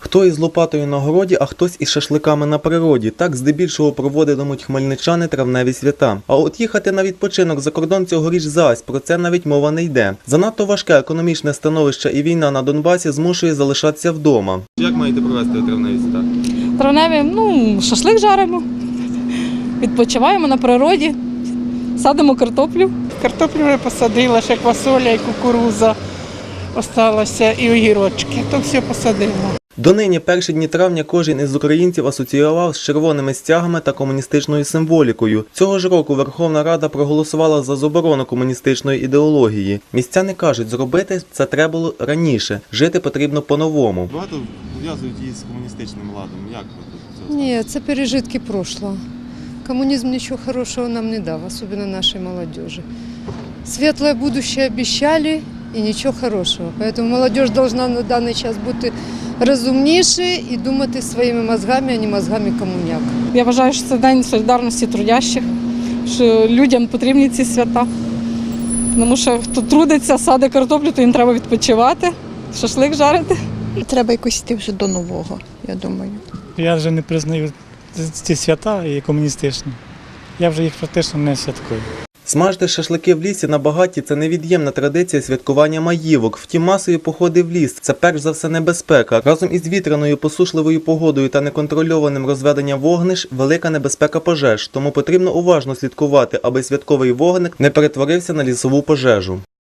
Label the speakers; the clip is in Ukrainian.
Speaker 1: Хто із лопатою на городі, а хтось із шашликами на природі. Так здебільшого проводитимуть хмельничани травневі свята. А от їхати на відпочинок за кордон цьогоріч зась, про це навіть мова не йде. Занадто важке економічне становище і війна на Донбасі змушує залишатися вдома. Як маєте провести травневі свята?
Speaker 2: Травневі, шашлик жаримо, відпочиваємо на природі, садимо картоплю.
Speaker 3: Картоплю вже посадила, ще квасоля і кукурудза осталося, і огірочки. То все посадила.
Speaker 1: Донині перші дні травня кожен із українців асоціював з червоними стягами та комуністичною символікою. Цього ж року Верховна Рада проголосувала за заборону комуністичної ідеології. Містяни кажуть, зробити це треба було раніше, жити потрібно по-новому.
Speaker 4: Багато пов'язують її з комуністичним ладом. Як ви тут це?
Speaker 5: Ні, це пережитки прошлого. Коммунизм ничего хорошего нам не дал, особенно нашей молодежи. Светлое будущее обещали и ничего хорошего. Поэтому молодежь должна на даний час бути розумніше і думати своїми мозгами, а не мозгами комуняк.
Speaker 2: Я вважаю, що це день солідарності трудящих, що людям потрібні ці свята. Тому що хто трудиться, садить картоплю, то їм треба відпочивати, шашлик жарити.
Speaker 6: Треба якось йти вже до нового, я думаю.
Speaker 7: Я вже не признаю ці свята і комуністичні. Я вже їх практично не святкую.
Speaker 1: Смажити шашлики в лісі на багатті – це невід'ємна традиція святкування маївок. Втім, масові походи в ліс – це перш за все небезпека. Разом із вітряною, посушливою погодою та неконтрольованим розведенням вогнищ – велика небезпека пожеж. Тому потрібно уважно слідкувати, аби святковий вогник не перетворився на лісову пожежу.